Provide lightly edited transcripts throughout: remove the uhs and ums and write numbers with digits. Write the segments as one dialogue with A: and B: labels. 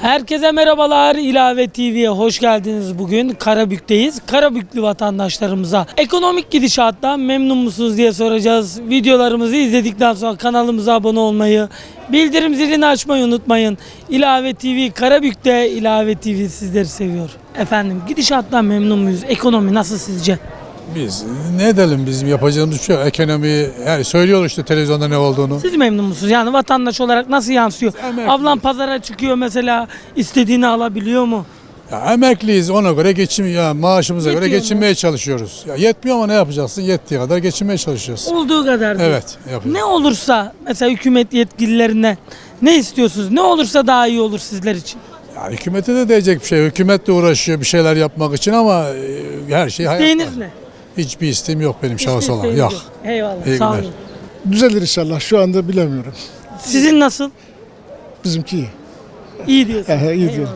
A: Herkese merhabalar. İlave TV'ye hoş geldiniz. Bugün Karabük'teyiz. Karabüklü vatandaşlarımıza ekonomik gidişattan memnun musunuz diye soracağız. Videolarımızı izledikten sonra kanalımıza abone olmayı, bildirim zilini açmayı unutmayın. İlave TV Karabük'te, İlave TV sizleri seviyor. Efendim, gidişattan memnun muyuz? Ekonomi nasıl sizce?
B: Biz ne edelim, bizim yapacağımız şey ekonomi, yani söylüyor işte televizyonda ne olduğunu.
A: Siz memnun musunuz? Yani vatandaş olarak nasıl yansıyor?
B: Emekli.
A: Ablam pazara çıkıyor mesela, istediğini alabiliyor mu?
B: Ya emekliyiz, ona göre maaşımıza göre
A: Yetiyor mu?
B: geçinmeye çalışıyoruz. Ya yetmiyor ama ne yapacaksın? Yettiği kadar geçinmeye çalışıyoruz.
A: Olduğu kadar değil.
B: Evet, yapıyoruz.
A: Ne olursa mesela hükümet yetkililerine ne istiyorsunuz? Ne olursa daha iyi olur sizler için.
B: Ya hükümete de diyecek bir şey. Hükümet de uğraşıyor bir şeyler yapmak için ama her şey hayat.
A: İsteğiniz ne?
B: Hiçbir isteğim yok benim şahıs
A: Hiçbir
B: olarak.
A: isteğiniz
B: Yok.
A: Eyvallah.
B: İyi
A: Sağ
B: günler.
A: olun.
C: Düzelir inşallah. Şu anda bilemiyorum.
A: Sizin nasıl?
C: Bizimki iyi.
A: İyi diyorsun.
C: İyi diyor.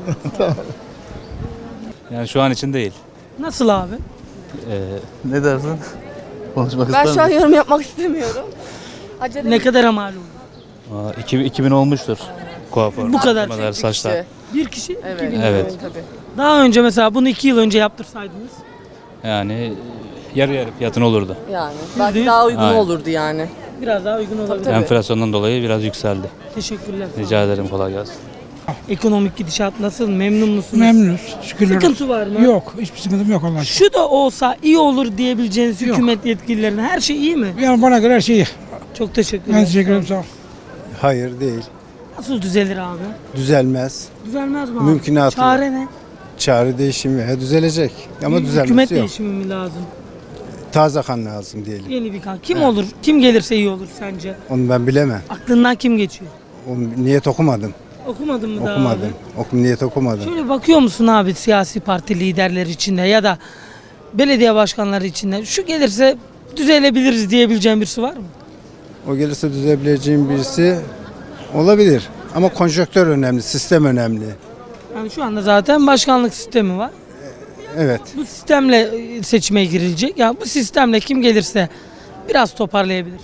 D: Yani şu an için değil.
A: Nasıl abi?
D: Ne dersin? Konuşmak
E: Ben
D: ister
E: şu an
D: misin?
E: yorum yapmak istemiyorum. Acele
A: Ne kadar mal oldu?
D: 2000 olmuştur. Kuaför.
A: Bu kadar.
D: Kemer, saçlar.
A: Bir kişi
E: Evet.
A: 2000
D: Evet.
A: lira.
E: Tabii.
A: Daha önce mesela bunu 2 yıl önce yaptırsaydınız.
D: Yani yarı yarı fiyatın olurdu.
E: Yani. Belki
A: %100.
E: daha uygun
D: Aynen.
E: olurdu yani.
A: Biraz daha uygun olabilir.
E: tabii.
D: Enflasyondan dolayı biraz yükseldi.
A: Teşekkürler.
D: Rica ederim, kolay gelsin.
A: Ekonomik gidişat nasıl? Memnun musunuz?
F: Memnunuz. Şükürler olsun.
A: Sıkıntı var mı?
F: Yok. Hiçbir sıkıntım yok Allah'a şükür.
A: Şu da olsa iyi olur diyebileceğiniz hükümet yetkililerine her şey iyi mi?
F: Yani bana göre her şey iyi.
A: Çok teşekkürler.
F: Ben teşekkür ederim. Sağ ol.
G: Hayır değil.
A: Nasıl düzelir abi?
G: Düzelmez.
A: Düzelmez mi abi?
G: Mümkünatı
A: Çare ne?
G: Çare değişimi. Düzelecek. Ama
A: Hükümet
G: düzelmesi yok.
A: değişimi mi lazım?
G: Taze kan lazım diyelim.
A: Yeni bir kan. Kim olur? Kim gelirse iyi olur sence?
G: Onu ben bilemem.
A: Aklından kim geçiyor?
G: Onu niyet okumadım.
A: Okumadın mı daha
G: Okumadım.
A: abi?
G: Niyet okumadım.
A: Şöyle bakıyor musun abi siyasi parti liderleri içinde ya da belediye başkanları içinde şu gelirse düzelebiliriz diyebileceğin birisi var mı?
G: O gelirse düzelebileceğim birisi olabilir. Ama konjonktör önemli, sistem önemli.
A: Yani şu anda zaten başkanlık sistemi var.
G: Evet.
A: Bu sistemle seçime girilecek. Ya bu sistemle kim gelirse biraz toparlayabilir.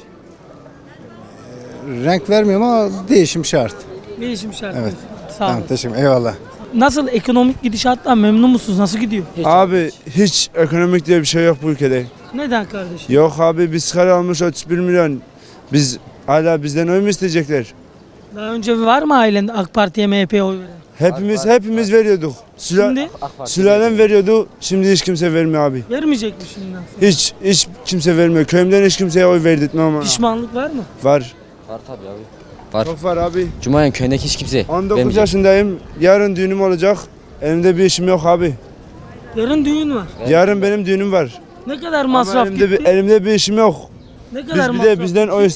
G: Renk vermiyorum ama değişim şart.
A: Değişim şart.
G: Evet.
A: Sağ olun.
G: Tamam, teşekkür ederim. Eyvallah.
A: Nasıl ekonomik gidişattan memnun musunuz? Nasıl gidiyor?
H: Abi hiç ekonomik diye bir şey yok bu ülkede.
A: Neden kardeşim?
H: Yok abi, biz kar almış 31 milyon. Biz hala bizden oy mu isteyecekler?
A: Daha önce var mı ailende AK Parti'ye MHP'ye oy veren?
H: Hepimiz veriyorduk.
A: Şimdi
H: Sülalem veriyordu. Şimdi hiç kimse vermiyor abi.
A: vermeyecek mi şimdiden sonra?
H: Hiç kimse vermiyor. Köyümden hiç kimseye oy verdirtmem ama.
A: Pişmanlık var mı?
H: Var.
I: Var tabii abi. Var.
H: Çok var abi.
I: Cuma'nın köyündeki hiç kimse
H: 19
I: vermeyecek.
H: yaşındayım. Yarın düğünüm olacak. Elimde bir işim yok abi.
A: Yarın düğün var.
H: Yarın benim düğünüm var.
A: Ne kadar
H: Ama
A: masraf
H: elimde
A: gitti?
H: elimde bir işim yok.
A: Ne kadar
H: Biz bir
A: masraf
H: de bizden oy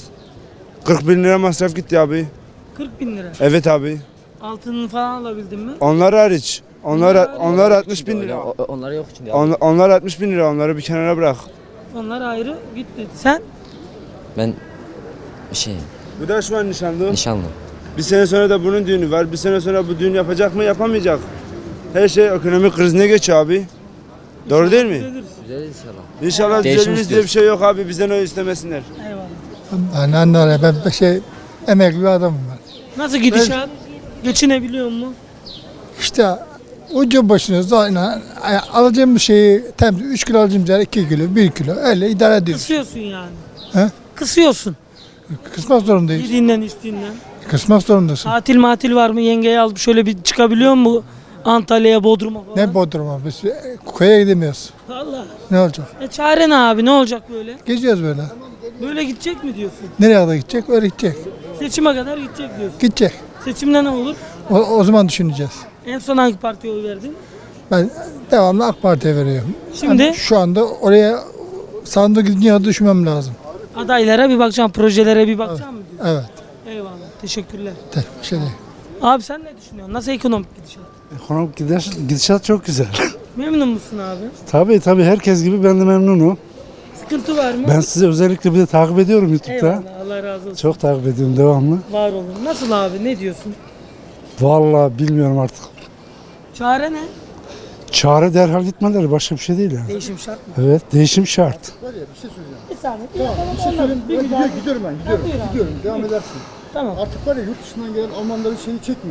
H: 40 bin lira masraf gitti abi.
A: 40 bin lira.
H: Evet abi.
A: Altını falan alabildin mi?
H: Onlar hariç. Onlar 60 bin lira.
I: Onlar yok içinde abi.
H: Onlar 60 bin lira. Onları bir kenara bırak.
A: Onlar ayrı gitti. Sen?
I: Ben bir şey
H: Bu da şu an nişanlı.
I: nişanlı.
H: Bir sene sonra da bunun düğünü var. Bir sene sonra bu düğün yapacak mı, yapamayacak. Her şey ekonomik krizine geçiyor abi. Doğru değil mi?
A: Düzeliriz.
I: Güzel inşallah.
H: İnşallah
I: Değişim
H: düzeliriz diye bir şey yok abi. Bizden oy istemesinler.
A: Eyvallah.
C: Ben emekli bir adamım ben.
A: Nasıl gidişat? Geçinebiliyor mu?
C: İşte ucu başına zaten alacağım bir şeyi 3 kilo alacağım yer 2 kilo 1 kilo öyle idare ediyoruz.
A: Kısıyorsun yani.
C: He?
A: Kısıyorsun.
C: Kısmak zorundayız.
A: Yediğinden içtiğinden.
C: Kısmak zorundasın.
A: Tatil var mı? Yengeyi alıp şöyle bir çıkabiliyor mu? Antalya'ya, Bodrum'a falan.
C: Ne Bodrum'a biz köye gidemiyoruz.
A: Allah.
C: Ne olacak?
A: Çare ne abi? Ne olacak böyle?
C: Geziyoruz böyle.
A: Böyle gidecek mi diyorsun?
C: Nereye kadar gidecek? Öyle gidecek.
A: Seçime kadar gidecek diyorsun.
C: Gidecek.
A: Seçimde ne olur?
C: O zaman düşüneceğiz.
A: En son hangi partiye oy verdin?
C: Ben devamlı AK Parti'ye veriyorum.
A: Şimdi?
C: Hani şu anda oraya sandık gidince düşünmem lazım.
A: Adaylara bir bakacağım, projelere bir bakacağım mı diyorsun?
C: Evet.
A: Eyvallah. Teşekkürler.
C: Bir şey değil.
A: Abi sen ne düşünüyorsun? Nasıl ekonomik gidişat?
J: Ekonomik gidişat çok güzel.
A: Memnun musun abi?
J: Tabii herkes gibi ben de memnunum.
A: Sıkıntı var mı?
J: Ben sizi özellikle bir de takip ediyorum YouTube'da.
A: Eyvallah. Allah razı olsun.
J: Çok takip ediyorum devamlı.
A: Var olun. Nasıl abi? Ne diyorsun?
J: Vallahi bilmiyorum artık.
A: Çare ne?
J: Çare derhal gitmeleri, başka bir şey değil yani.
A: Değişim şart mı?
J: Evet, değişim şart.
A: Bir saniye. Bir şey söyleyeyim.
C: Gidiyorum. Devam edersin.
A: Tamam.
C: Artık var ya yurt dışından gelen Almanların şeyini çekme.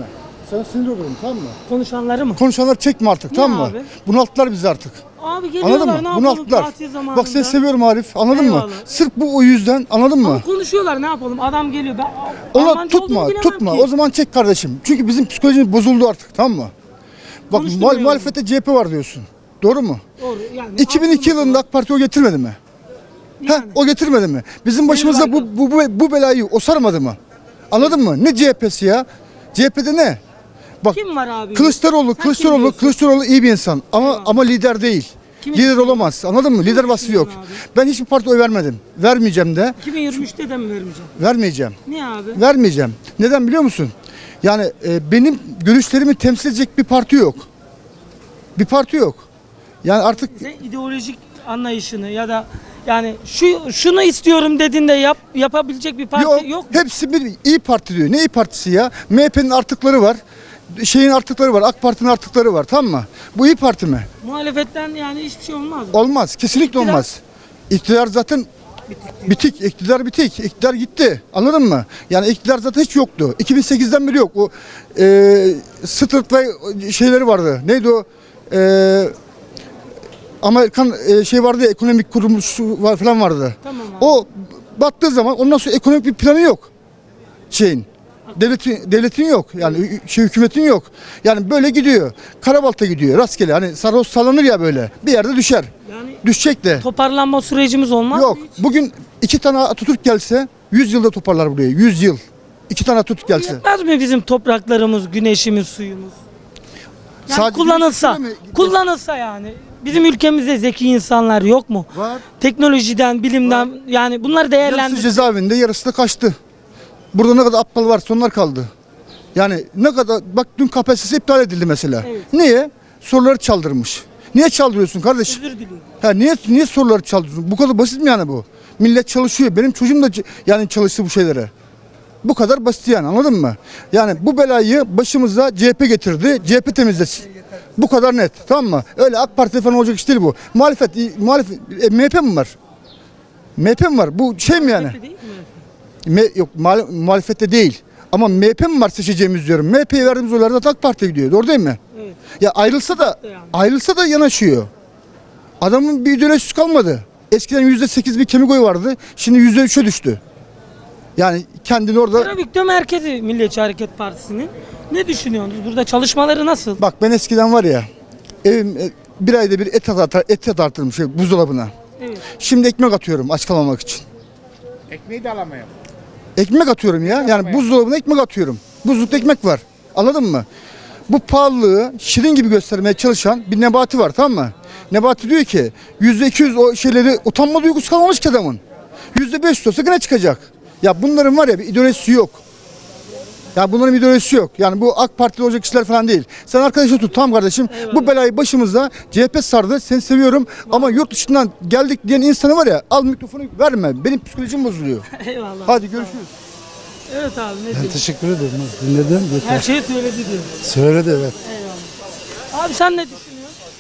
C: Sana sinir olurum, tamam mı?
A: Konuşanları mı?
C: Konuşanlar çekme artık,
A: Niye
C: tamam mı?
A: abi?
C: Bunalttılar bizi artık.
A: Abi geliyorlar,
C: Anladın mı?
A: ne yapalım
C: Bunalttılar.
A: tatil zamanında.
C: Bak seni seviyorum Arif, anladın
A: Eyvallah.
C: mı? Sırf bu o yüzden, anladın mı?
A: Ama konuşuyorlar, ne yapalım? Adam geliyor. Ben
C: Onu
A: Almanca
C: tutma,
A: olduğunu bilemem
C: tutma.
A: ki.
C: O zaman çek kardeşim. Çünkü bizim psikolojimiz bozuldu artık, tamam mı? Bak
A: Konuşturmuyorum.
C: muhalefette CHP var diyorsun. Doğru mu?
A: Doğru. Yani
C: 2002 yılında AK Parti o getirmedi mi?
A: yani.
C: O getirmedi mi? Bizim başımıza bu belayı o sarmadı mı? Anladın mı? Ne CHP'si ya? CHP'de ne? Bak
A: Kim var abi?
C: Kılıçdaroğlu,
A: Sen kim
C: Kılıçdaroğlu,
A: diyorsun?
C: Kılıçdaroğlu iyi bir insan ama lider değil.
A: Kimi
C: Lider
A: düşünüyorsun?
C: olamaz. Anladın mı? Lider vasfı yok.
A: düşünüyorsun
C: Ben hiçbir parti oy vermedim. Vermeyeceğim de.
A: 2023'te de mi vermeyeceğim?
C: Vermeyeceğim.
A: Niye abi?
C: Vermeyeceğim. Neden biliyor musun? Yani benim görüşlerimi temsil edecek bir parti yok. Bir parti yok. Yani artık
A: Sen ideolojik anlayışını ya da yani şunu istiyorum dediğinde yapabilecek bir parti yok mu?
C: Hepsi bir iyi Parti diyor. Ne iyi Partisi ya? MHP'nin artıkları var. Şeyin artıkları var. AK Parti'nin artıkları var. Tamam mı? Bu iyi Parti mi?
A: Muhalefetten yani hiçbir şey olmaz mı?
C: Olmaz. Kesinlikle
A: İktidar-
C: olmaz. İktidar zaten bitik. İktidar bitik. İktidar gitti. Anladın mı? Yani iktidar zaten hiç yoktu. 2008'den beri yok. O Stuttgart ve şeyleri vardı. Neydi o? Amerikan şey vardı ya, ekonomik kuruluşu var falan vardı.
A: Tamam abi.
C: O battığı zaman ondan sonra ekonomik bir planı yok. Şeyin. Devletin yok. Yani hükümetin yok. Yani böyle gidiyor. Karabalta gidiyor. Rastgele. Hani sarhoş sallanır ya böyle. Bir yerde düşer.
A: Yani
C: Düşecek de.
A: toparlanma sürecimiz olmaz
C: Yok.
A: mı hiç?
C: Bugün 2 tane Atatürk gelse 100 yılda toparlar burayı. 100 yıl. 2 tane Atatürk gelse.
A: Yetmez mi bizim topraklarımız, güneşimiz, suyumuz? Yani
C: Sadece
A: kullanılsa,
C: güneş mi?
A: kullanılsa yani. Bizim ülkemizde zeki insanlar yok mu?
C: Var.
A: Teknolojiden, bilimden yani bunları
C: Yarısı
A: değerlendir.
C: cezaevinde, yarısı da kaçtı. Burada ne kadar aptal varsa onlar kaldı. Yani ne kadar, bak dün KPSS iptal edildi mesela.
A: Evet.
C: Niye? Soruları çaldırmış. Niye çaldırıyorsun kardeşim?
A: Özür diliyorum.
C: Ha niye soruları çaldırıyorsun? Bu kadar basit mi yani bu? Millet çalışıyor. Benim çocuğum da yani çalıştı bu şeylere. Bu kadar basit yani, anladın mı? Yani bu belayı başımıza CHP getirdi. CHP temizlesin. Bu kadar net, tamam mı? Öyle AK Parti falan olacak iş değil bu. Muhalefet MHP mi var? MHP mi var? Bu şey mi yani?
A: Değil mi?
C: Yok muhalefette değil. Ama MHP mi var seçeceğimiz diyorum. MHP'ye verdiğimiz oylar da AK Parti'ye gidiyor. Doğru değil mi?
A: Evet.
C: Ya ayrılsa da yanaşıyor. Adamın bir ideolojisi kalmadı. Eskiden %8 bir kemik oyu vardı. Şimdi %3'e düştü. Yani kendini orada...
A: Karabük'te merkezi Milliyetçi Hareket Partisi'nin. Ne düşünüyorsunuz? Burada çalışmaları nasıl?
C: Bak ben eskiden var ya, evim bir ayda bir et atartırım buzdolabına.
A: Evet.
C: Şimdi ekmek atıyorum aç kalmamak için.
J: Ekmeği de alamıyorum.
C: Ekmek atıyorum ya. Yani buzdolabına ekmek atıyorum. Buzlukta ekmek var. Anladın mı? Bu pahalılığı şirin gibi göstermeye çalışan bir Nebati var, tamam mı? Nebati diyor ki %200 o şeyleri utanma duygusu kalmamış ki adamın. %500 olsa gene çıkacak. Ya bunların var ya bir ideolojisi yok. Ya bunların bir ideolojisi yok. Yani bu AK Parti'de olacak işler falan değil. Sen arkadaşı tut, tamam kardeşim.
A: Eyvallah.
C: Bu belayı başımıza CHP sardı. Seni seviyorum ama yurt dışından geldik diyen insanı var ya, al mikrofonu verme. Benim psikolojim bozuluyor.
A: Eyvallah.
C: Hadi görüşürüz.
A: Evet abi ne
J: Ben
A: diyorsun?
J: teşekkür ederim. Dinledim.
A: Her
J: Yeter.
A: şeyi söyledi diyor.
J: Söyledi evet.
A: Eyvallah. Abi sen ne düşünüyorsun?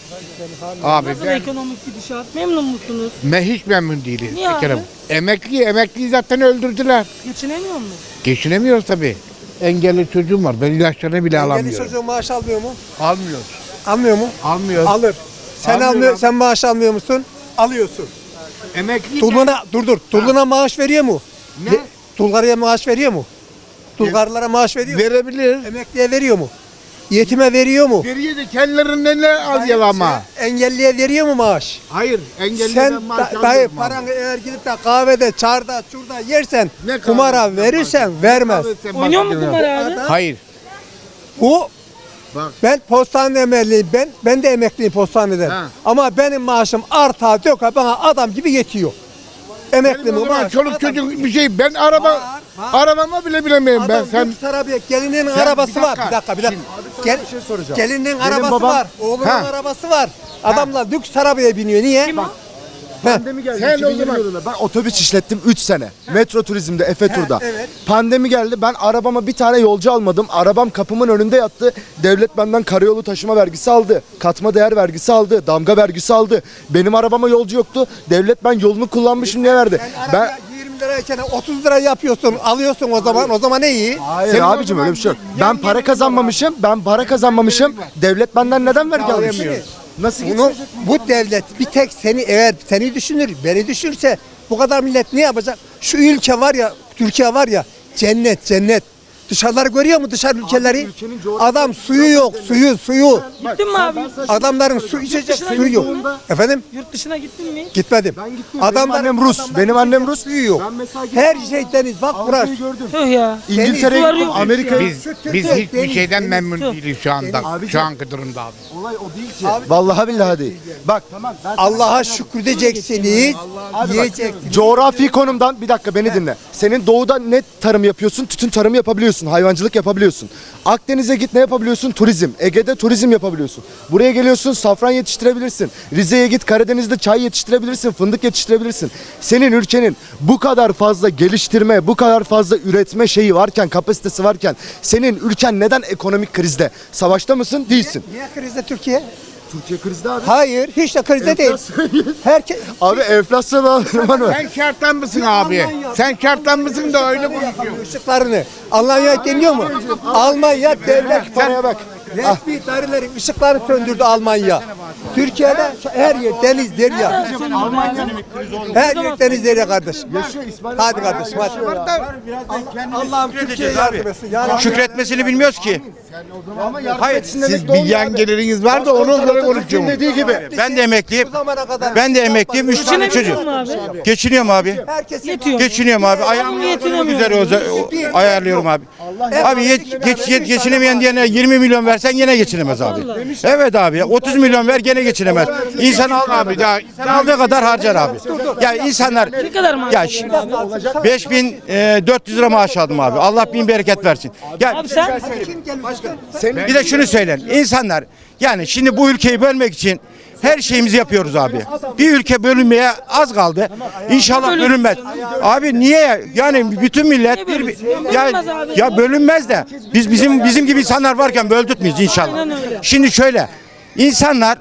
K: Abi
A: Nasıl
K: ben,
A: ekonomik gidişat? Memnun musunuz?
K: ben hiç memnun değilim.
A: Niye abi?
K: Ekrem. Emekliyi zaten öldürdüler.
A: Geçinemiyor mu?
K: Geçinemiyoruz tabii. Engelli çocuğum var. Ben ilaçlarını bile
L: Engelli
K: alamıyorum.
L: çocuğun maaş almıyor mu?
K: Almıyoruz.
L: Almıyor mu?
K: Almıyoruz.
L: Alır. Sen maaş almıyor musun? Alıyorsun.
K: Emekli
L: Tuluna maaş veriyor mu?
K: Ne?
L: Tulgarıya maaş veriyor mu? Tulgarlara maaş veriyor mu?
K: verebilir.
L: Emekliye veriyor mu? Yetime veriyor mu?
K: Veriyor da kendilerinden ne alıyor ama.
L: Engelliye veriyor mu maaş?
K: Hayır. Engelliden
L: Sen
K: maaş
L: dayı
K: almıyorum abi.
L: paranı eğer gidip de kahvede, çarda, şurada yersen,
K: Ne
L: kumara
K: kahvesi
L: verirsen
K: yaparsın?
L: vermez.
K: Kahvesi
A: Oynuyor mu
K: yaparsın.
A: kumar abi?
K: Hayır.
L: Bu
K: Bak.
L: ben postane emekliyim. Ben de emekliyim postaneden.
K: Ha.
L: Ama benim maaşım arta döka bana adam gibi yetiyor. Emekli
K: Benim o
L: mi
K: zaman
L: maaş?
K: çoluk
L: Adam
K: çocuk
L: gibi
K: bir şey. Ben arabama bile bilemiyorum ben.
L: Adam
K: Sen
L: lüks arabaya, gelinin
K: Sen
L: arabası
K: bir
L: var.
K: dakika.
L: Bir dakika. Gel,
C: Bir şey soracağım.
L: gelinin arabası
C: babam-
L: var. Oğlunun
K: Ha.
L: arabası var. Adamlar lüks arabaya biniyor. Niye?
A: Kim o?
C: Pandemi geldi.
K: Sen o
C: 2020
K: zaman-
C: yılında ben otobüs işlettim 3 sene. Metro turizmde, Efe Tur'da.
L: evet.
C: Pandemi geldi. Ben arabama bir tane yolcu almadım. Arabam kapımın önünde yattı. Devlet benden karayolu taşıma vergisi aldı. Katma değer vergisi aldı. Damga vergisi aldı. Benim arabama yolcu yoktu. Devlet ben yolunu kullanmışım diye verdi.
L: Sen
C: Ben
L: arabaya 20 10 lirayken 30 lira yapıyorsun, alıyorsun o zaman ne iyi?
C: Hayır abicim öyle bir şey yok. Ben para kazanmamışım. Devlet benden neden vergi alıyor? Nasıl
L: Bu devlet bir tek eğer seni düşünür, beni düşünürse bu kadar millet ne yapacak? Şu ülke var ya, Türkiye var ya, cennet. Dışarıları görüyor mu dışarı ülkeleri? Adam suyu yok, suyu.
A: Gittin mi abi?
L: Adamların su içecek suyu yok. Efendim?
A: Yurt dışına gittin mi?
L: Gitmedim. Adamların
C: Benim annem Rus.
L: suyu yok. Her şey deniz. Bak burası.
A: Tüh ya.
C: İngiltere'ye
A: Suları
C: gittim,
A: yok.
C: Amerika'ya.
K: Biz hiçbir şeyden memnun değiliz şu anda. Şu anki durumda abi.
C: Vallahi billahi değil. Bak
L: Allah'a şükredeceksiniz. Yiyeceksiniz.
C: coğrafi konumdan bir dakika beni dinle. Senin doğuda ne tarım yapıyorsun? Tütün tarımı yapabiliyorsun. Hayvancılık yapabiliyorsun. Akdeniz'e git ne yapabiliyorsun? Turizm. Ege'de turizm yapabiliyorsun. Buraya geliyorsun safran yetiştirebilirsin. Rize'ye git Karadeniz'de çay yetiştirebilirsin. Fındık yetiştirebilirsin. Senin ülkenin bu kadar fazla geliştirme, bu kadar fazla üretme şeyi varken, kapasitesi varken senin ülken neden ekonomik krizde? Savaşta mısın? Değilsin.
L: Niye krizde Türkiye?
C: Türkiye krizde abi.
L: Hayır, hiç de krizde değil. Herkes
C: Abi enflasyon var mı?
K: Sen şarttan mısın abi? Sen şarttan mısın da öyle konuşuyorsun.
L: ışıklarını. Almanya deniyor mu? Almanya devlet
C: Paraya bak.
L: resmi daireleri ışıkları söndürdü Almanya. Türkiye'de her yer deniz derya. Her yer deniz derya kardeş. Hadi kardeşim hadi. Allah'ım Türkiye'ye yardım etsin.
K: Şükretmesini bilmiyoruz ki.
C: Hayır,
K: Siz bir yan geliriniz var da ona göre konuşuyorsunuz.
C: dediği gibi.
K: Ben de emekliyim.
L: Bu zamana kadar.
K: Ben de emekliyim. 3 tane
A: Geçinebiliyor
K: çocuğum.
A: musun abi?
K: Geçiniyorum abi.
L: Herkes
A: Yetiyor.
K: Geçiniyorum abi. Ayağımı güzel ayarlıyorum abi. Abi geçinemeyen diyene 20 milyon versen gene geçinemez abi. Evet abi. 30 milyon ver gene geçinemez. İnsan al abi. Ya aldığı kadar harcar abi. Ya insanlar
A: Ne kadar maaş
K: ya
A: alıyorsun abi?
K: 5400 lira maaş aldım abi. Allah bin bereket versin. Ya
A: Abi sen
K: bir de şunu söyleyin. İnsanlar yani şimdi bu ülkeyi bölmek için her şeyimizi yapıyoruz abi. Bir ülke bölünmeye az kaldı. İnşallah bölünmez. Abi niye? Yani bütün millet
A: Niye bölünsün?
K: ya,
A: Bölünmez abi.
K: ya bölünmez de bizim gibi insanlar varken böldürtmeyiz inşallah.
A: Aynen öyle.
K: Şimdi şöyle insanlar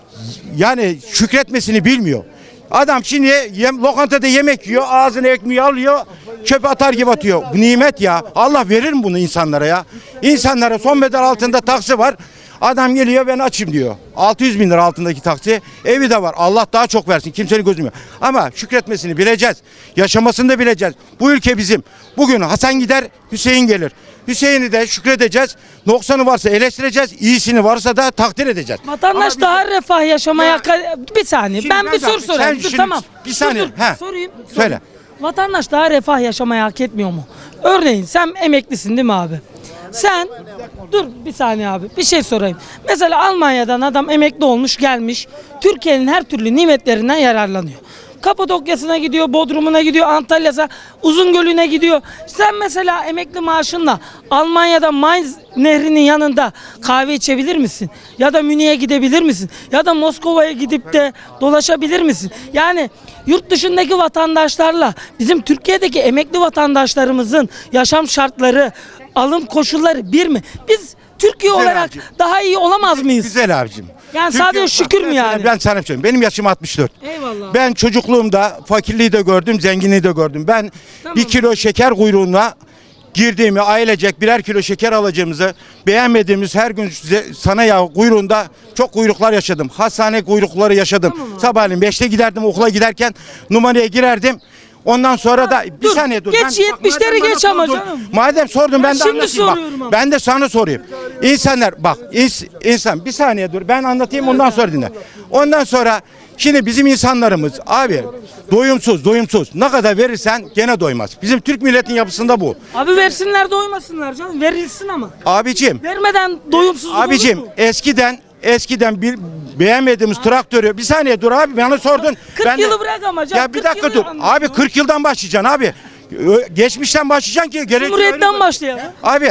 K: yani şükretmesini bilmiyor. Adam şimdi lokantada yemek yiyor, ağzına ekmeği alıyor, çöpe atar gibi atıyor. Bu nimet ya. Allah verir mi bunu insanlara ya? İnsanlara son bedel altında taksi var. Adam geliyor ben açım diyor. 600 bin lira altındaki taksi. Evi de var. Allah daha çok versin. Kimsenin gözüm yok. Ama şükretmesini bileceğiz. Yaşamasını da bileceğiz. Bu ülke bizim. Bugün Hasan gider, Hüseyin gelir. Hüseyin'i de şükredeceğiz. Noksanı varsa eleştireceğiz. İyisini varsa da takdir edeceğiz.
A: vatandaş daha refah yaşamaya bir saniye.
K: Şimdi
A: Ben bir soru
K: sen
A: sorayım. Dur
K: şimdi-
A: tamam.
K: bir saniye.
A: Dur,
K: He.
A: Sorayım.
K: Söyle.
A: Vatandaş daha refah yaşamayı hak etmiyor mu? Örneğin sen emeklisin değil mi abi? Sen dur bir saniye abi bir şey sorayım. Mesela Almanya'dan adam emekli olmuş gelmiş. Türkiye'nin her türlü nimetlerinden yararlanıyor. Kapadokya'sına gidiyor, Bodrum'una gidiyor, Antalya'sa, Uzungöl'üne gidiyor. Sen mesela emekli maaşınla Almanya'da Mainz nehrinin yanında kahve içebilir misin? Ya da Münih'e gidebilir misin? Ya da Moskova'ya gidip de dolaşabilir misin? Yani yurt dışındaki vatandaşlarla bizim Türkiye'deki emekli vatandaşlarımızın yaşam şartları, alım koşulları bir mi? Biz Türkiye
K: Güzel
A: olarak
K: abicim.
A: daha iyi olamaz mıyız?
K: Güzel abicim.
A: Yani sadece şükür mü yani?
K: Ben sana söyleyeyim. Benim yaşım 64.
A: Eyvallah.
K: Ben çocukluğumda fakirliği de gördüm, zenginliği de gördüm. Ben
A: Tamam.
K: 1 kilo şeker kuyruğuna girdiğimi, ailecek birer kilo şeker alacağımızı beğenmediğimiz her gün sana ya kuyruğunda çok kuyruklar yaşadım. Hastane kuyrukları yaşadım.
A: Tamam.
K: Sabahleyin 5'te giderdim okula giderken numaraya girerdim. Ondan sonra da bir
A: dur,
K: saniye dur.
A: geç
K: Bak,
A: 70'leri
K: madem bana
A: geç ama
K: sordun,
A: canım.
K: Madem sordun ben de
A: şimdi
K: anlatayım bak.
A: soruyorum ama.
K: Ben de sana sorayım. İnsanlar bak insan bir saniye dur ben anlatayım ondan sonra dinle. Ondan sonra şimdi bizim insanlarımız abi doyumsuz ne kadar verirsen gene doymaz. Bizim Türk milletin yapısında bu.
A: Abi versinler doymasınlar canım. Verilsin ama.
K: Abicim
A: Vermeden doyumsuzluk
K: abicim
A: olur mu?
K: eskiden bir beğenmediğimiz traktörü bir saniye dur abi bana sordun.
A: 40
K: Ben de-
A: yılı bırak ama canım.
K: Ya bir
A: 40
K: dakika
A: yılı
K: dur.
A: anlatıyor.
K: Abi 40 yıldan başlayacaksın abi. Geçmişten başlayacaksın ki gerekli
A: Cumhuriyetten başlayalım.
K: Abi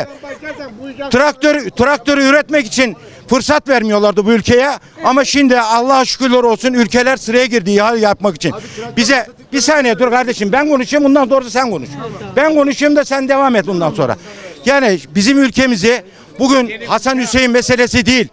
K: traktörü üretmek için fırsat vermiyorlardı bu ülkeye ama şimdi Allah'a şükürler olsun ülkeler sıraya girdi ihale yapmak için. Bize bir saniye dur kardeşim ben konuşayım bundan sonra sen konuş. Ben konuşayım da sen devam et bundan sonra. Yani bizim ülkemizi bugün Hasan Hüseyin meselesi değil.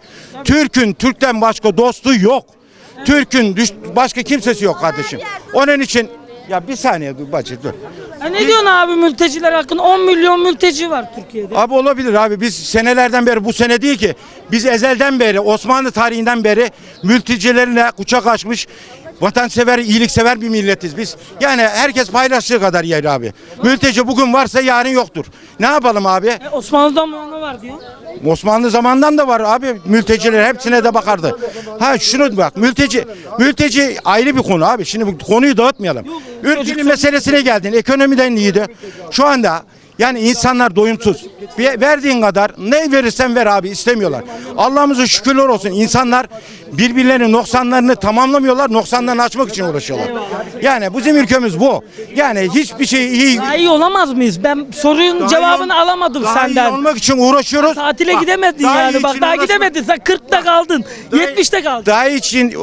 K: Türk'ten başka dostu yok. Türk'ün başka kimsesi yok kardeşim. Onun için Ya bir saniye dur bacı dur.
A: Ne diyorsun abi mülteciler hakkında? 10 milyon mülteci var Türkiye'de.
K: Abi olabilir abi. Biz senelerden beri, bu sene değil ki, biz ezelden beri, Osmanlı tarihinden beri mültecilerine kucak açmış, vatansever, iyiliksever bir milletiz biz. Yani herkes paylaştığı kadar yer abi. Mülteci bugün varsa yarın yoktur. Ne yapalım abi?
A: Osmanlı'dan mı ona var diyor.
K: Osmanlı zamandan da var abi, mülteciler hepsine de bakardı. Ha şunu bak, mülteci ayrı bir konu abi. Şimdi bu konuyu dağıtmayalım. Ülkenin meselesine geldin, ekonomiden iyiydi. Şu anda yani insanlar doyumsuz. Verdiğin kadar ne verirsen ver abi, istemiyorlar. Allah'ımıza şükürler olsun, insanlar birbirlerinin noksanlarını tamamlamıyorlar, noksanlarını açmak için uğraşıyorlar. Yani bizim ülkemiz bu. Yani hiçbir şey iyi.
A: Daha iyi olamaz mıyız? Ben sorunun cevabını alamadım
K: daha
A: senden.
K: iyi olmak için uğraşıyoruz.
A: Tatile
K: Bak,
A: gidemedin
K: daha iyi
A: yani. Bak
K: için
A: daha
K: uğraşmak-
A: gidemedin. Sen 40'ta kaldın. 70'te kaldın.
K: Daha için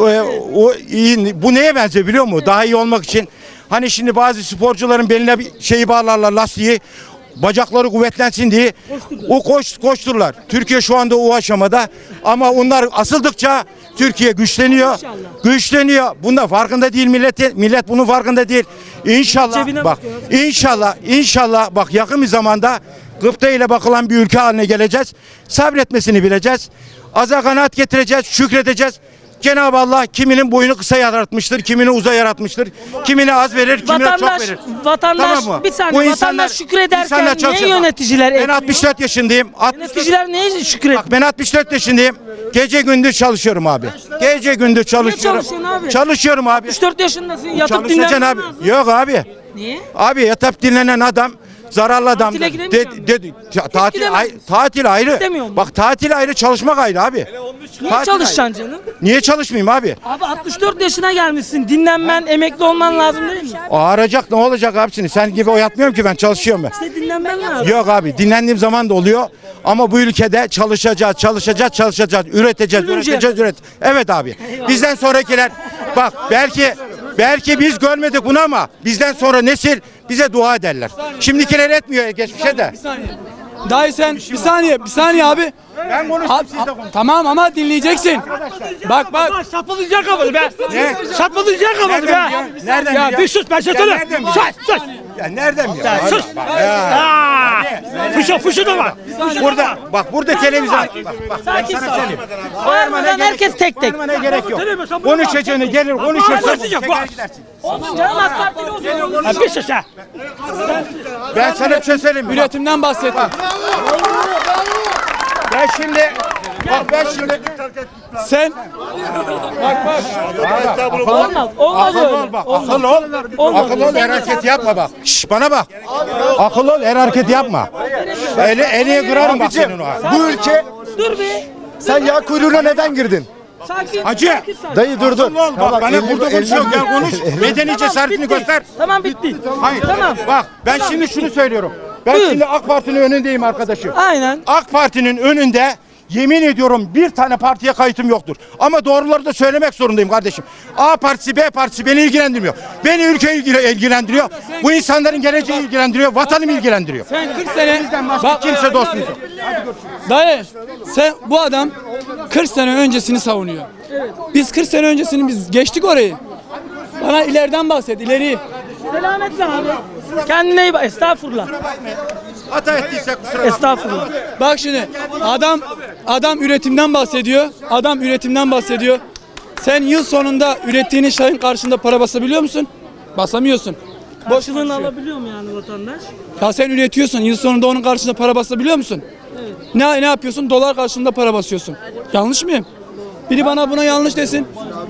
K: bu neye benziyor biliyor musun? Daha iyi olmak için. Hani şimdi bazı sporcuların beline bir şeyi bağlarlar, lastiği. Bacakları kuvvetlensin diye o koşturlar. Türkiye şu anda o aşamada ama onlar asıldıkça Türkiye güçleniyor. Güçleniyor. Bunda farkında değil millet bunun farkında değil. İnşallah
A: Cebine
K: bak,
A: bakıyor.
K: inşallah bak, yakın bir zamanda gıpta ile bakılan bir ülke haline geleceğiz. Sabretmesini bileceğiz. Aza kanaat getireceğiz, şükredeceğiz. Cenab-ı Allah kiminin boyunu kısa yaratmıştır, kimini uzay yaratmıştır. Kimine az verir, kimine çok verir.
A: Vatandaş
K: Tamam mı?
A: bir saniye,
K: Bu insanlar-
A: vatandaş şükrederken
K: insanlar
A: niye
K: çalışıyor.
A: yöneticiler
K: Ben
A: etmiyor?
K: 64 yaşındayım.
A: Yöneticiler neye şükrediyor?
K: Bak ben 64 yaşındayım. Gece gündüz çalışıyorum abi. Gece gündüz çalışıyorum.
A: çalışıyorsun abi?
K: Çalışıyorum abi.
A: 64 yaşındasın, yatıp
K: Çalışacaksın
A: dinlenmen
K: abi.
A: lazım.
K: Yok abi.
A: Niye?
K: Abi yatıp dinlenen adam zararlı adam.
A: Tatile gidemeyeceğim.
K: Tatil ayrı.
A: İstemiyorum.
K: Bak tatil ayrı, çalışmak ayrı abi.
A: Niye
K: Tatil
A: çalışacaksın canım?
K: Niye çalışmayayım abi?
A: Abi 64 yaşına gelmişsin. Dinlenmen, emekli olman lazım değil mi?
K: Ağaracak ne olacak abisini? Sen gibi oyatmıyorum ki, ben çalışıyorum ben.
A: İşte dinlenmen lazım.
K: Yok abi, dinlendiğim zaman da oluyor. Ama bu ülkede çalışacağız. Üreteceğiz. Evet abi. Bizden sonrakiler bak, belki biz görmedik bunu ama bizden sonra nesil bize dua ederler. Şimdikiler etmiyor geçmişe de.
F: Dayı sen bir saniye abi.
K: Ben konuştum, siz de konuşun.
F: Tamam ama dinleyeceksin. Bak.
A: Sapılacak havalı be.
K: Ne?
A: Sapılacak havalı be.
K: Nereden
F: Ya
K: biliyor?
F: bir sus ben
K: Ya
F: söyle.
K: nereden biliyor?
A: Sus.
K: Ya nereden biliyor?
A: Sus. Fışı da var.
K: Burada televizyon. Bak,
A: Sakin
K: sana
A: ol.
K: söyleyeyim.
A: Bağırmadan herkes tek tek.
K: Bağırmana gerek yok. Konuşacağını gelir konuşursun. Çeker gidersin.
A: Olsun canım, AK Partili olsun.
F: Bir sus ha.
K: Ben sana bir şey söyleyeyim mi? Bak,
F: Üretimden bahsettim.
K: ben şimdi
F: Sen
A: Olmaz
K: akıllı
A: öyle.
K: ol bak. Akıllı ol, her hareket yapma bak. Şş, bana bak. Akıllı ol, her hareket yapma. Eline kırarım bak senin o.
C: Bu ülke,
A: Dur be.
C: sen yağ kuyruğuna neden girdin?
A: Sakin.
K: Hacı.
A: sakin, sakin.
C: Dayı dur dur.
K: Akıllı ol bak. Bana burada konuşuyor. Gel konuş. Medeni cesaretini
A: bitti.
K: göster.
A: Tamam bitti.
K: Hayır.
A: Tamam.
K: Bak ben şimdi şunu söylüyorum. Ben
A: Buyur.
K: şimdi AK Parti'nin önündeyim arkadaşım.
A: Aynen.
K: AK Parti'nin önünde yemin ediyorum bir tane partiye kayıtım yoktur. Ama doğruları da söylemek zorundayım kardeşim. A partisi, B partisi beni ilgilendirmiyor. Beni ülke ilgilendiriyor. Bu insanların geleceği ilgilendiriyor. Vatanım ilgilendiriyor.
F: sen 40 sene
K: Bak kimse dostum.
F: dayı sen bu adam 40 sene öncesini savunuyor. Biz 40 sene öncesini biz geçtik orayı. Bana ileriden bahset, ileri.
A: Selametle abi. Kendine iyi bak. Estağfurullah.
K: Hata ettiyse kusura bakma.
A: Estağfurullah.
F: Bak şimdi adam üretimden bahsediyor. Adam üretimden bahsediyor. Sen yıl sonunda ürettiğinin şeyin karşında para basabiliyor musun? Basamıyorsun.
A: Karşılığını alabiliyor mu yani vatandaş?
F: Ya sen üretiyorsun. Yıl sonunda onun karşısında para basabiliyor musun?
A: Evet.
F: Ne yapıyorsun? Dolar karşılığında para basıyorsun. Yanlış mıyım? Biri bana buna yanlış desin.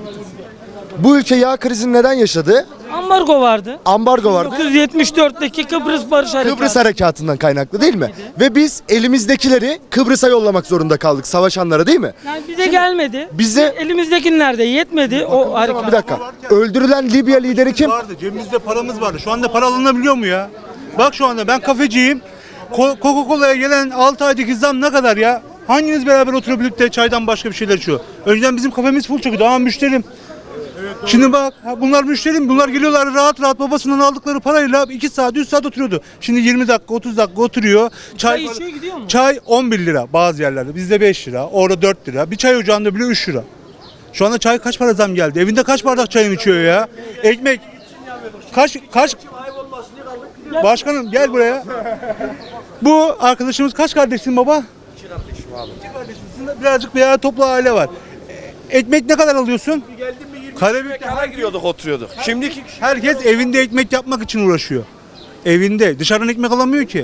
C: Bu ülke yağ krizini neden yaşadı?
A: Ambargo vardı.
C: Ambargo vardı.
A: 1974'teki Kıbrıs Barış Harekatı.
C: Kıbrıs Harekatı'ndan kaynaklı değil mi? Ve biz elimizdekileri Kıbrıs'a yollamak zorunda kaldık savaşanlara değil mi?
A: Yani bize gelmedi.
C: bize-
A: elimizdekiler de yetmedi o harekat.
C: Bir dakika. Öldürülen Libya lideri kim?
J: Vardı, cebimizde paramız vardı. Şu anda para alınabiliyor mu ya? Bak şu anda ben kafeciyim. Coca-Cola'ya gelen 6 aydaki zam ne kadar ya? Hanginiz beraber oturabilip de çaydan başka bir şeyler içiyor? Önceden bizim kafemiz full çıkıyordu. Ama müşterim. Şimdi bak bunlar müşterim. Bunlar geliyorlar rahat rahat babasından aldıkları parayla 2 saat 3 saat oturuyordu. Şimdi 20 dakika 30 dakika oturuyor.
A: Çay içiyor, gidiyor mu?
J: Çay 11 lira bazı yerlerde. Bizde 5 lira. Orada 4 lira. Bir çay ocağında bile 3 lira. Şu anda çay kaç para zam geldi? Evinde kaç bardak çayını içiyor ya? Ekmek kaç Başkanım gel buraya. Bu arkadaşımız kaç kardeşsin baba? İki kardeşim abi. İki kardeşim. Birazcık bir toplu aile var. Ekmek ne kadar alıyorsun? Karabük'te
H: giriyorduk oturuyorduk. Şimdi
J: herkes evinde ekmek yapmak için uğraşıyor. Evinde. Dışarıdan ekmek alamıyor ki.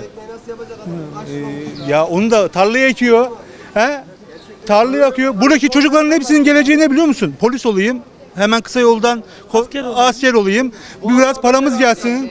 J: Ya onu da tarlaya ekiyor. He? Tarlaya akıyor. Buradaki çocukların hepsinin geleceği ne biliyor musun? Polis olayım. Hemen kısa yoldan asker olayım. Biraz paramız gelsin.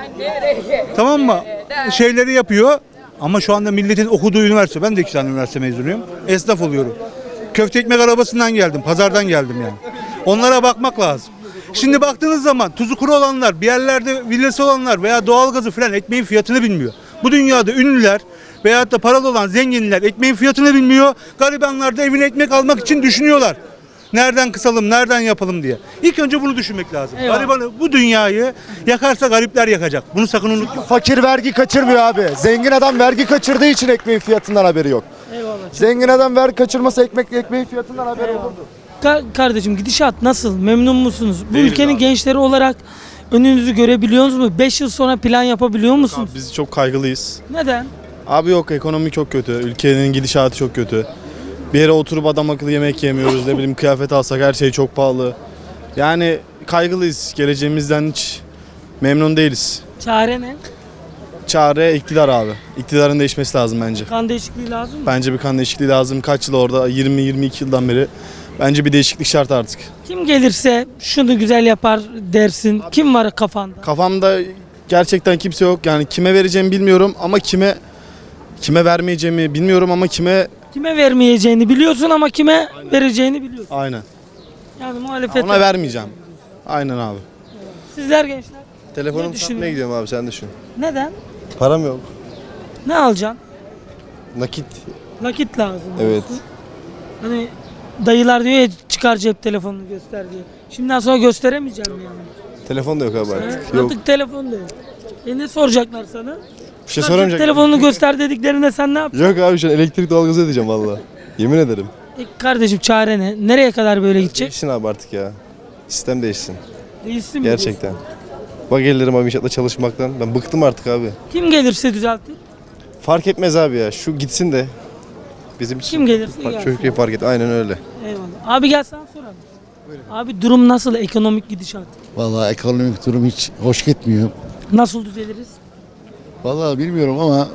J: Tamam mı? Şeyleri yapıyor. Ama şu anda milletin okuduğu üniversite. Ben de 2 tane üniversite mezunuyum. Esnaf oluyorum. Köfte ekmek arabasından geldim. Pazardan geldim yani. Onlara bakmak lazım. Şimdi baktığınız zaman tuzu kuru olanlar, bir yerlerde villası olanlar veya doğalgazı falan ekmeğin fiyatını bilmiyor. Bu dünyada ünlüler veyahut da paralı olan zenginler ekmeğin fiyatını bilmiyor. Garibanlar da evine ekmek almak için düşünüyorlar. Nereden kısalım, nereden yapalım diye. İlk önce bunu düşünmek lazım.
A: Eyvallah.
J: Garibanı, bu dünyayı yakarsa garipler yakacak. Bunu sakın unutma.
M: Fakir vergi kaçırmıyor abi. Zengin adam vergi kaçırdığı için ekmeğin fiyatından haberi yok.
A: Eyvallah.
M: Zengin adam vergi kaçırmasa ekmeğin fiyatından haberi olurdu.
A: Kardeşim gidişat nasıl? Memnun musunuz? Bu ülkenin gençleri olarak önünüzü görebiliyor musunuz? 5 yıl sonra plan yapabiliyor musunuz?
H: biz çok kaygılıyız.
A: Neden?
H: Abi yok, ekonomi çok kötü. Ülkenin gidişatı çok kötü. Bir yere oturup adam akıllı yemek yemiyoruz. Ne bileyim, kıyafet alsak her şey çok pahalı. Yani kaygılıyız. Geleceğimizden hiç memnun değiliz.
A: Çare ne?
H: Çare iktidar abi. İktidarın değişmesi lazım bence.
A: Kan değişikliği lazım mı?
H: Bence bir kan değişikliği lazım. Kaç yıl orada? 20-22 yıldan beri. Bence bir değişiklik şart artık.
A: Kim gelirse şunu güzel yapar dersin. Kim var kafanda?
H: Kafamda gerçekten kimse yok. Yani kime vereceğimi bilmiyorum ama kime vermeyeceğimi bilmiyorum ama kime...
A: Kime vermeyeceğini biliyorsun ama kime vereceğini biliyorsun.
H: Aynen.
A: Yani muhalefet.
H: Ona vermeyeceğim. Aynen abi.
A: Sizler gençler. Ne
M: Telefonumu
A: düşünüyorsun?
M: satmaya gidiyorum abi, sen düşün.
A: Neden?
M: Param yok.
A: Ne alacaksın?
M: Nakit.
A: Nakit lazım.
M: Evet.
A: diyorsun. Hani dayılar diyor ya çıkar cep telefonunu göster diye. Şimdiden sonra gösteremeyeceğim yani.
M: Telefon da yok abi
A: He?
M: artık. Yok.
A: Artık telefon da yok. Ne soracaklar sana?
M: Bir şey
A: Cep
M: soramayacak.
A: telefonunu göster dediklerinde sen ne yapacaksın?
M: Yok abi, şu an elektrik doğalgazı ödeyeceğim valla. Yemin ederim.
A: Kardeşim çare ne? Nereye kadar böyle gidecek?
M: Değişsin abi artık ya. Sistem değişsin.
A: Değilsin mi?
M: Gerçekten. Bak gelirim abi inşaatta çalışmaktan. Ben bıktım artık abi.
A: diyorsun? Kim gelirse düzeltir.
M: Fark etmez abi ya. Şu gitsin de. Bizim için.
A: Kim gelirse gelsin.
M: Çocuk fark et. Aynen öyle.
A: Eyvallah. Abi gel sana soralım. Abi durum nasıl? Ekonomik gidişat.
B: Vallahi ekonomik durum hiç hoş gitmiyor.
A: Nasıl düzeliriz?
B: Vallahi bilmiyorum ama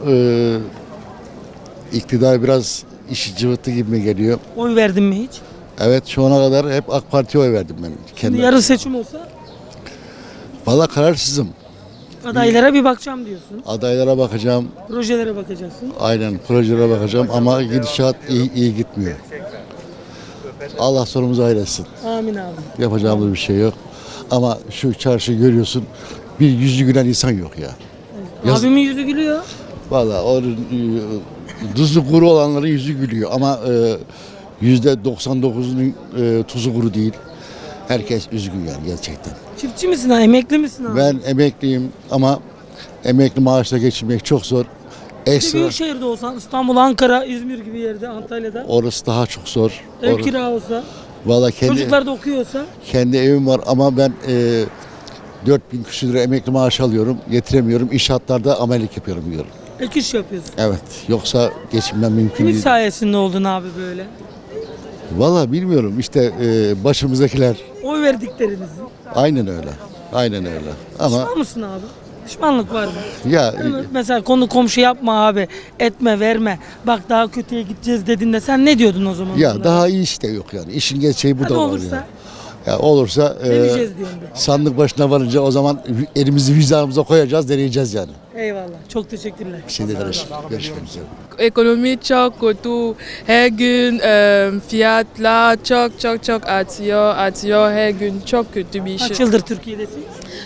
B: iktidar biraz işi cıvıttı gibi mi geliyor?
A: Oy verdin mi hiç?
B: Evet, şu ana kadar hep AK Parti'ye oy verdim ben.
A: Şimdi yarın seçim olsa
B: Vallahi kararsızım.
A: adaylara bir bakacağım diyorsun.
B: Adaylara bakacağım.
A: Projelere bakacaksın.
B: Aynen, projelere bakacağım ama gidişat iyi gitmiyor. Allah sonumuzu hayretsin.
A: Amin abi.
B: Yapacağımız bir şey yok. Ama şu çarşı görüyorsun, bir yüzü gülen insan yok ya. Yaz-
A: Abimin yüzü gülüyor.
B: Vallahi o tuzu kuru olanların yüzü gülüyor ama %99'unun tuzu kuru değil. Herkes üzgün yani gerçekten.
A: Çiftçi misin ha? Emekli misin abi?
B: Ben emekliyim ama emekli maaşla geçinmek çok zor.
A: Bir
B: Ekstra
A: büyük şehirde olsan İstanbul, Ankara, İzmir gibi yerde, Antalya'da
B: orası daha çok zor.
A: ev kira olsa,
B: Vallahi
A: çocuklar da okuyorsa
B: kendi evim var ama ben 4000 küsur lira emekli maaş alıyorum. Yetiremiyorum. İnşaatlarda amelelik yapıyorum diyorum.
A: ek iş yapıyorsun.
B: Evet. Yoksa geçinmem mümkün
A: Kimin
B: değil.
A: sayesinde oldun abi böyle?
B: Vallahi bilmiyorum. İşte başımızdakiler
A: Oy verdiklerinizin.
B: aynen öyle. Aynen öyle. Ama
A: Pişman mısın abi? Pişmanlık var mı?
B: ya
A: Değil mi? Mesela konu komşu yapma abi, etme, verme. Bak daha kötüye gideceğiz dediğinde sen ne diyordun o zaman?
B: ya
A: bunlara?
B: daha iyi işte yok yani. İşin gerçeği bu
A: Hadi
B: da var
A: olursa
B: ya. Ya olursa
A: deneyeceğiz diyorum ben.
B: sandık başına varınca o zaman elimizi vicdanımıza koyacağız, deneyeceğiz yani.
A: Eyvallah. Çok teşekkürler.
B: Bir şey de kardeşim. Görüşmek üzere.
E: Ekonomi çok kötü. Her gün fiyatlar çok artıyor. Her gün çok kötü bir
A: Kaç
E: şey.
A: yıldır Türkiye'desin?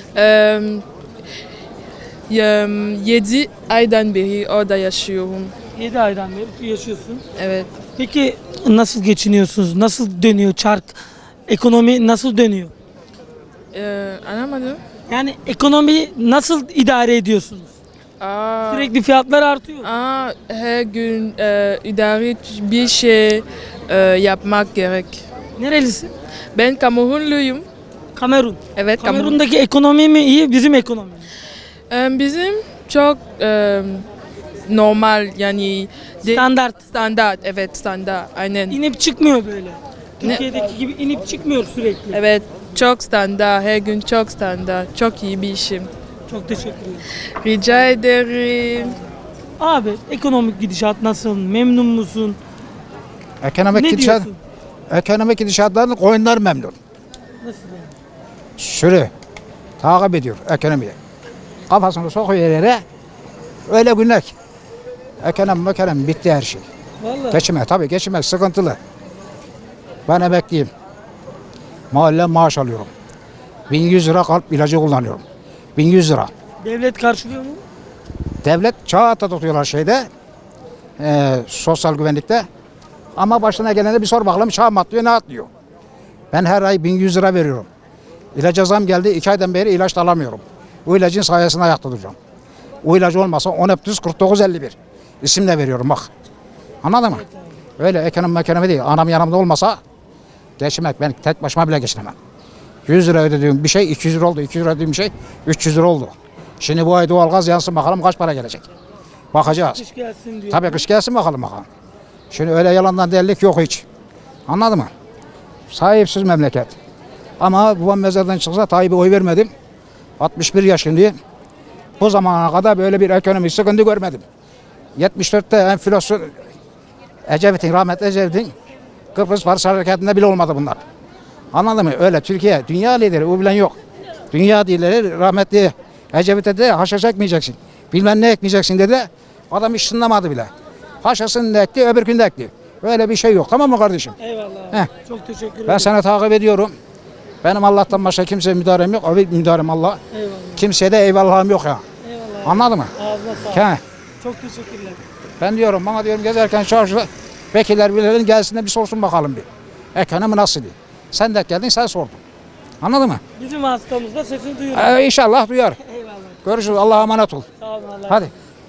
E: 7 aydan beri orada yaşıyorum.
A: 7 aydan beri yaşıyorsun.
E: Evet.
A: Peki nasıl geçiniyorsunuz? Nasıl dönüyor çark? Ekonomi nasıl dönüyor?
E: Anlamadım.
A: Yani ekonomiyi nasıl idare ediyorsunuz? Sürekli fiyatlar artıyor.
E: Her gün idare bir şey yapmak gerek.
A: Nerelisin?
E: Ben Kamerunluyum.
A: Kamerun.
E: Evet, Kamerun.
A: Kamerun'daki ekonomi mi iyi, bizim ekonomi mi?
E: Bizim çok normal yani
A: Standart.
E: standart, evet standart aynen.
A: İnip çıkmıyor böyle. Türkiye'deki gibi inip çıkmıyor sürekli.
E: Evet, çok standart, her gün çok standart, çok iyi bir işim.
A: Çok teşekkürler.
E: Rica ederim.
A: Abi ekonomik gidişat nasıl? Memnun musun?
G: Ekonomik
A: Ne
G: gidişat,
A: diyorsun?
G: ekonomik gidişatlardan koyunlar memnun.
A: Nasıl yani?
G: Sürü takip ediyor ekonomiyi. Kafasını sokuyor yere. Öyle günler ki. Ekonomi bitti her şey.
A: Vallahi.
G: Geçinmek sıkıntılı. Ben emekliyim. Mahalle maaş alıyorum. 1100 lira kalp ilacı kullanıyorum. 1100 lira.
A: Devlet karşılıyor mu?
G: Devlet çağ tutuyorlar sosyal güvenlikte. Ama başına gelene bir sor bakalım çağ mı atlıyor ne atlıyor. Ben her ay 1100 lira veriyorum. İlaca zam geldi 2 aydan beri ilaç da alamıyorum. O ilacın sayesinde ayakta duracağım. O ilacı olmasa 10-49-51 isimle veriyorum bak. Anladın mı? Öyle ekonomi değil. Anam yanımda olmasa geçinmek ben tek başıma bile geçinemem. 100 lira ödediğim bir şey 200 lira oldu. 200 lira ödediğim bir şey 300 lira oldu. Şimdi bu ay doğalgaz yansın bakalım kaç para gelecek. Bakacağız.
A: Kış gelsin diyor.
G: Tabii kış gelsin bakalım. Şimdi öyle yalandan delilik yok hiç. Anladın mı? Sahipsiz memleket. Ama babam mezardan çıksa Tayyip'e oy vermedim. 61 yaşındayım. Bu zamana kadar böyle bir ekonomik sıkıntı görmedim. 74'te enflasyon rahmetli Ecevit'in Kıbrıs Barış Harekatı'nda bile olmadı bunlar. Anladın mı? Öyle Türkiye dünya lideri o bilen yok. Dünya lideri rahmetli Ecevit'e de haşa çekmeyeceksin. Bilmem ne ekmeyeceksin dedi. Adam hiç sınlamadı bile. Haşasını da ekti öbür gün de ekti. Öyle bir şey yok tamam mı kardeşim?
A: Eyvallah.
G: Heh.
A: Çok teşekkür ederim.
G: Ben sana takip ediyorum. Benim Allah'tan başka kimseye müdahalem yok. O bir müdahalem Allah.
A: Eyvallah.
G: Kimseye de eyvallahım yok ya.
A: Eyvallah.
G: Anladın mı?
A: Ağzına sağlık.
G: He.
A: Çok teşekkürler.
G: Ben diyorum bana diyorum gezerken çarşıda vekiller birilerinin gelsin de bir sorsun bakalım bir. Ekonomi nasıl diye. Sen de geldin sen sordun. Anladın mı?
A: Bizim hastamız da sesini duyuyor.
G: İnşallah duyar.
A: Eyvallah.
G: Görüşürüz. Allah'a emanet ol.
A: Sağ olun. Allah'a
G: Hadi.